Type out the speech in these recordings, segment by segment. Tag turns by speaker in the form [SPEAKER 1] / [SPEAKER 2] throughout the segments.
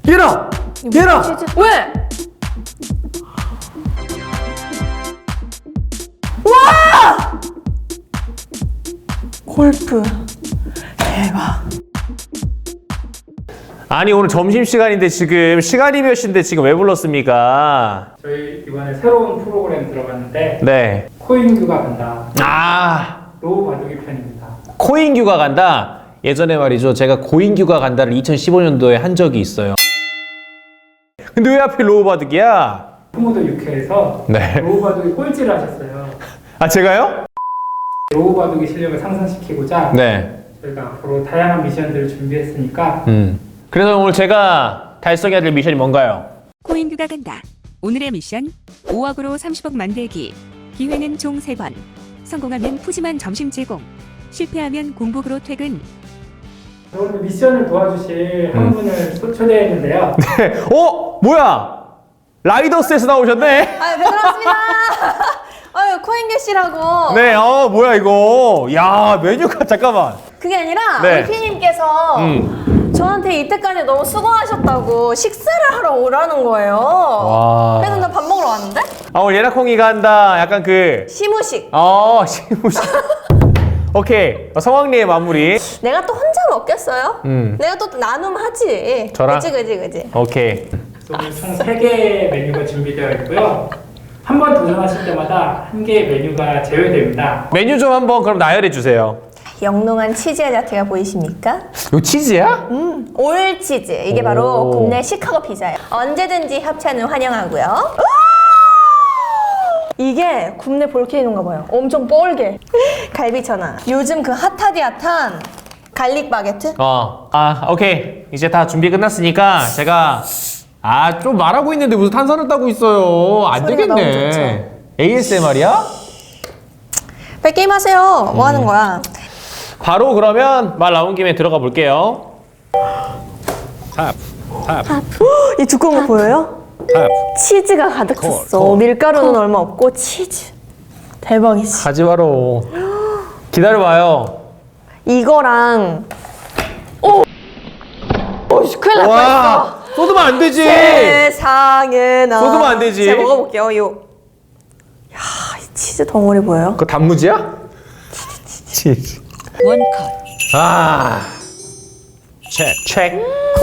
[SPEAKER 1] 얘라! 얘라!
[SPEAKER 2] 왜? 와! 골프 대박.
[SPEAKER 1] 아니 오늘 점심시간인데 지금 시간이 몇 시인데 지금 왜 불렀습니까?
[SPEAKER 3] 저희 이번에 새로운 프로그램 들어갔는데
[SPEAKER 1] 네.
[SPEAKER 3] 코인규가 간다.
[SPEAKER 1] 아,
[SPEAKER 3] 로우 바둑이 편입니다.
[SPEAKER 1] 코인규가 간다? 예전에 말이죠, 제가 고인규가 간다를 2015년도에 한 적이 있어요. 근데 왜 하필 로우바둑이야?
[SPEAKER 3] 후무도 6회에서
[SPEAKER 1] 네.
[SPEAKER 3] 로우 바둑이 꼴찌를 하셨어요.
[SPEAKER 1] 아, 제가요?
[SPEAKER 3] 로우 바둑의 실력을 상승시키고자
[SPEAKER 1] 네.
[SPEAKER 3] 저희가 앞으로 다양한 미션들을 준비했으니까
[SPEAKER 1] 그래서 오늘 제가 달성해야 될 미션이 뭔가요?
[SPEAKER 4] 코인규가 간다. 오늘의 미션 5억으로 30억 만들기. 기회는 총 3번. 성공하면 푸짐한 점심 제공. 실패하면 공복으로 퇴근.
[SPEAKER 3] 오늘 미션을 도와주실 한 분을 초대했는데요.
[SPEAKER 1] 네. 뭐야? 라이더스에서 나오셨네?
[SPEAKER 2] 아유, 반갑습니다. 아유, 코인규 씨라고.
[SPEAKER 1] 네, 뭐야 이거? 야, 메뉴가 잠깐만.
[SPEAKER 2] 그게 아니라
[SPEAKER 1] 네.
[SPEAKER 2] 우리 피디님께서 저한테 이때까지 너무 수고하셨다고 식사를 하러 오라는 거예요.
[SPEAKER 1] 와.
[SPEAKER 2] 그래서 나 밥 먹으러 왔는데?
[SPEAKER 1] 오늘 예나콩이가 한다. 약간 그
[SPEAKER 2] 시무식.
[SPEAKER 1] 시무식. 오케이. 성황리의 마무리.
[SPEAKER 2] 내가 또 혼자 먹겠어요? 내가 또 나눔하지.
[SPEAKER 1] 저랑?
[SPEAKER 2] 그치.
[SPEAKER 1] 오케이.
[SPEAKER 3] 오늘 총 3개의 메뉴가 준비되어 있고요. 한 번 도전하실 때마다 한 개의 메뉴가 제외됩니다.
[SPEAKER 1] 메뉴 좀 한번 그럼 나열해 주세요.
[SPEAKER 2] 영롱한 치즈의 자태가 보이십니까?
[SPEAKER 1] 이거 치즈야?
[SPEAKER 2] 올 치즈. 이게 바로
[SPEAKER 1] 오.
[SPEAKER 2] 국내 시카고 피자예요. 언제든지 협찬을 환영하고요. 이게 국내 볼케이노인가 봐요. 엄청 뻘게. 갈비천하. 요즘 그 핫하디 핫한 갈릭 바게트?
[SPEAKER 1] 오케이. 이제 다 준비 끝났으니까 제가 좀 말하고 있는데 무슨 탄산을 따고 있어요. 안
[SPEAKER 2] 소리가 너무
[SPEAKER 1] 되겠네.
[SPEAKER 2] 좋죠.
[SPEAKER 1] ASMR이야?
[SPEAKER 2] 빨리 게임 하세요. 뭐 하는 거야?
[SPEAKER 1] 바로 그러면 말 나온 김에 들어가 볼게요.
[SPEAKER 2] 이 두꺼운 거 보여요? 치즈가 가득 찼어. 밀가루는 얼마 없고 치즈. 대박이지.
[SPEAKER 1] 가지 마로. 기다려봐요.
[SPEAKER 2] 이거랑 큰일 날 뻔했어.
[SPEAKER 1] 쏟으면 안 되지.
[SPEAKER 2] 세상에나.
[SPEAKER 1] 쏟으면 안 되지.
[SPEAKER 2] 제가 먹어볼게요. 이 치즈 덩어리 보여요?
[SPEAKER 1] 그거 단무지야? 치즈.
[SPEAKER 4] 원컷.
[SPEAKER 1] 체크.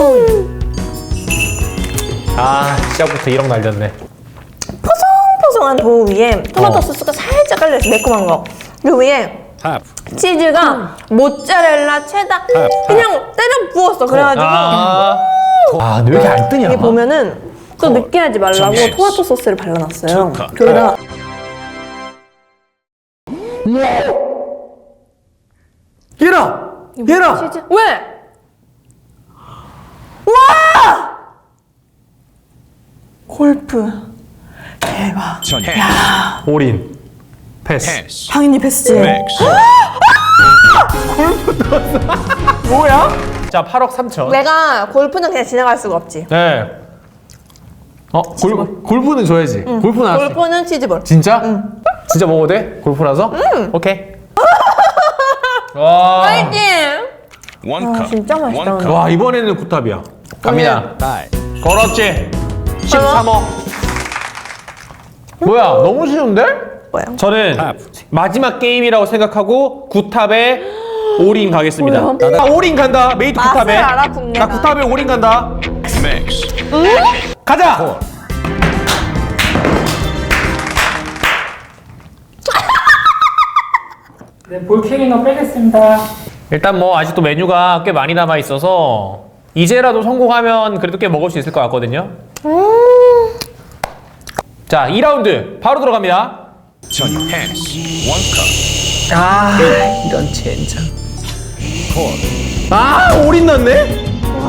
[SPEAKER 1] 시작부터 1억 날렸네.
[SPEAKER 2] 포송포송한 도우 위에 토마토 소스가 살짝 깔려있어. 매콤한 거. 그 위에 치즈가 모짜렐라, 체다 그냥 때려 부었어. 그래가지고
[SPEAKER 1] 근데 왜 이렇게 안 뜨냐?
[SPEAKER 2] 이게 보면은 또 느끼하지 말라고 토마토 소스를 발라놨어요. 거기다가
[SPEAKER 1] 얘라!
[SPEAKER 2] 치즈 왜? 와! 골프 대박.
[SPEAKER 1] 올인. 패스.
[SPEAKER 2] 당연히 패스지.
[SPEAKER 1] 뭐야? 자, 8억 3천.
[SPEAKER 2] 내가 골프는 그냥 지나갈 수가 없지.
[SPEAKER 1] 네. 골프는 줘야지. 골프는 알았어.
[SPEAKER 2] 골프는 치즈볼.
[SPEAKER 1] 진짜? 진짜 먹어도 돼? 골프라서? 오케이. 와.
[SPEAKER 2] 파이팅! 아, 진짜 맛있다. 오늘.
[SPEAKER 1] 와, 이번에는 굿탑이야. 갑니다. 걸었지? 13억. 뭐야, 너무 쉬운데?
[SPEAKER 2] 뭐야?
[SPEAKER 1] 저는 마지막 게임이라고 생각하고 굿탑에 올인 가겠습니다.
[SPEAKER 2] 뭐야?
[SPEAKER 1] 올인 간다. 메이트
[SPEAKER 2] 맛을
[SPEAKER 1] 굿탑에.
[SPEAKER 2] 알아, 국내가.
[SPEAKER 1] 나 굿탑에 올인 간다. 가자.
[SPEAKER 3] 네, 볼케이노 빼겠습니다.
[SPEAKER 1] 일단 뭐 아직도 메뉴가 꽤 많이 남아 있어서 이제라도 성공하면 그래도 꽤 먹을 수 있을 것 같거든요. 자, 2라운드 바로 들어갑니다. 이런 젠장. 올인 났네?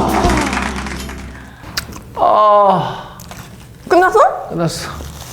[SPEAKER 2] 끝났어?
[SPEAKER 1] 끝났어.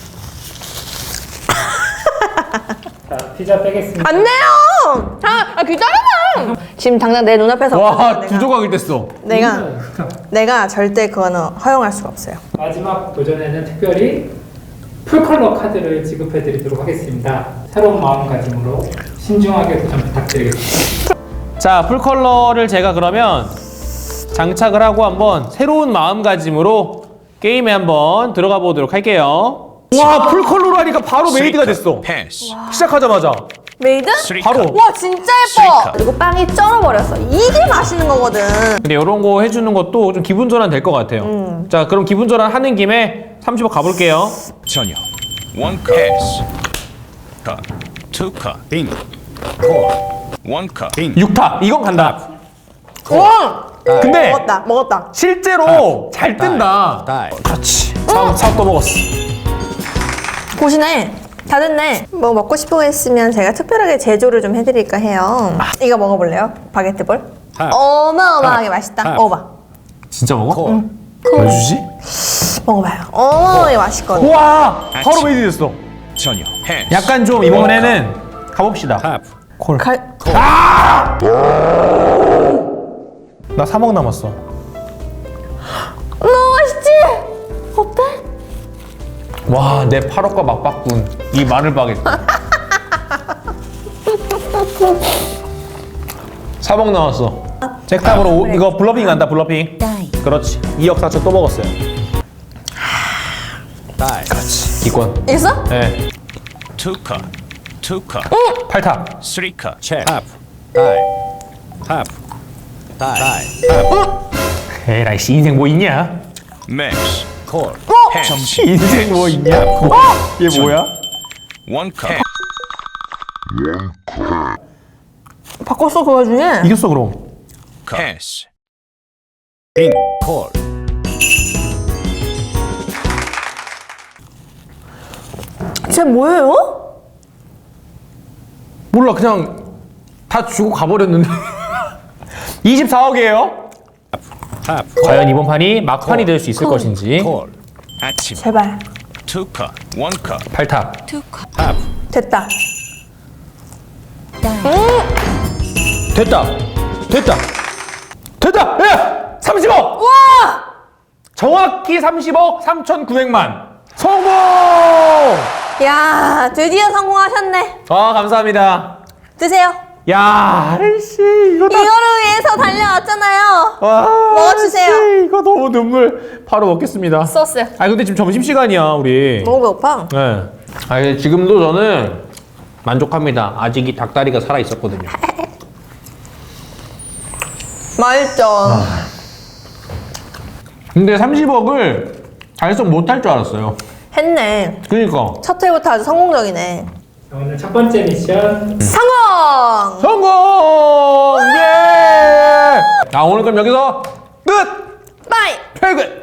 [SPEAKER 3] 자, 피자 빼겠습니다.
[SPEAKER 2] 안 돼요! 기다려봐! 지금 당장 내 눈앞에서
[SPEAKER 1] 와,
[SPEAKER 2] 내가-
[SPEAKER 1] 두 조각이 됐어.
[SPEAKER 2] 내가 절대 그거는 허용할 수가 없어요.
[SPEAKER 3] 마지막 도전에는 특별히 풀컬러 카드를 지급해 드리도록 하겠습니다. 새로운 마음가짐으로 신중하게 도전 부탁드리겠습니다.
[SPEAKER 1] 자, 풀컬러를 제가 그러면 장착을 하고 한번 새로운 마음가짐으로 게임에 한번 들어가 보도록 할게요. 와, 풀컬러로 하니까 바로 메이드가 됐어. 시작하자마자
[SPEAKER 2] 메이드?
[SPEAKER 1] 바로.
[SPEAKER 2] 와 진짜 예뻐. 그리고 빵이 쩔어버렸어. 이게 맛있는 거거든.
[SPEAKER 1] 근데 이런 거 해주는 것도 좀 기분 전환 될 것 같아요. 자, 그럼 기분 전환 하는 김에 30억 가볼게요.
[SPEAKER 5] 전혀. 원컵. 패스. 컷. 투컵. 빙. 콜. 원컵. 빙.
[SPEAKER 1] 6타. 이건 간다.
[SPEAKER 2] 와.
[SPEAKER 1] 근데
[SPEAKER 2] 먹었다.
[SPEAKER 1] 실제로 잘 뜬다. 그렇지. 사업 또 먹었어.
[SPEAKER 2] 보시네. 다 됐네. 뭐 먹고 싶은 거 있으면 제가 특별하게 제조를 좀 해드릴까 해요. 이거 먹어볼래요? 바게트볼? 어마어마하게 맛있다. 먹어봐.
[SPEAKER 1] 진짜 먹어? 응. 왜 주지?
[SPEAKER 2] 먹어봐요. 어마어마하게 맛있거든.
[SPEAKER 1] 우와! 바로 메이드 됐어.
[SPEAKER 5] 전혀. 패스.
[SPEAKER 1] 약간 좀 이번에는 가봅시다. 콜. 나 3억 남았어.
[SPEAKER 2] 너무 맛있지? 어때?
[SPEAKER 1] 와, 내 8억과 맞바꾼 이 마늘 바게트. 3억 남았어. 잭탑으로 이거 블러핑 간다, 블러핑. 그렇지. 2억 4천 또 먹었어요. 그렇지. 기권.
[SPEAKER 2] 이겼어?
[SPEAKER 1] 네.
[SPEAKER 5] 투컵. 투컵.
[SPEAKER 1] 8탑.
[SPEAKER 5] 쓰리컵.
[SPEAKER 6] 체크.
[SPEAKER 5] 탑.
[SPEAKER 6] 다이. 탑. 다이.
[SPEAKER 1] 에라이 씨, 인생 뭐 있냐?
[SPEAKER 5] 맥스.
[SPEAKER 6] 콜.
[SPEAKER 5] 패스.
[SPEAKER 1] 인생 뭐 있냐? 얘 뭐야?
[SPEAKER 5] 원컵.
[SPEAKER 2] 바꿨어 그 와중에.
[SPEAKER 1] 이겼어 그럼.
[SPEAKER 5] 패스.
[SPEAKER 6] 빙. 콜.
[SPEAKER 2] 쟤 뭐예요?
[SPEAKER 1] 몰라, 그냥 다 주고 가버렸는데. 24억이에요.
[SPEAKER 6] 탑.
[SPEAKER 1] 과연 이번 판이 막판이 될 수 있을 것인지.
[SPEAKER 6] 콜.
[SPEAKER 5] 아침.
[SPEAKER 2] 제발.
[SPEAKER 5] 투컵. 원컵.
[SPEAKER 1] 8탑.
[SPEAKER 6] 탑.
[SPEAKER 2] 됐다.
[SPEAKER 1] 됐다. 됐다. 됐다. 야! 30억.
[SPEAKER 2] 와!
[SPEAKER 1] 정확히 30억 3,900만. 성공!
[SPEAKER 2] 야 드디어 성공하셨네.
[SPEAKER 1] 아, 감사합니다.
[SPEAKER 2] 드세요.
[SPEAKER 1] 야, 아이씨, 이거 다.
[SPEAKER 2] 이거를 위해서 달려왔잖아요.
[SPEAKER 1] 와,
[SPEAKER 2] 먹어주세요.
[SPEAKER 1] 아이씨, 이거 너무 눈물. 바로 먹겠습니다.
[SPEAKER 2] 소스.
[SPEAKER 1] 아, 근데 지금 점심시간이야, 우리.
[SPEAKER 2] 너무 배고파.
[SPEAKER 1] 네. 아, 지금도 저는 만족합니다. 아직 이 닭다리가 살아 있었거든요.
[SPEAKER 2] 맛있죠.
[SPEAKER 1] 근데 30억을 달성 못할 줄 알았어요.
[SPEAKER 2] 했네.
[SPEAKER 1] 그니까.
[SPEAKER 2] 첫 회부터 아주 성공적이네.
[SPEAKER 3] 자, 오늘 첫 번째 미션
[SPEAKER 2] 성공!
[SPEAKER 1] 성공! 예! 아, 오늘 그럼 여기서 끝!
[SPEAKER 2] 빠이!
[SPEAKER 1] 퇴근!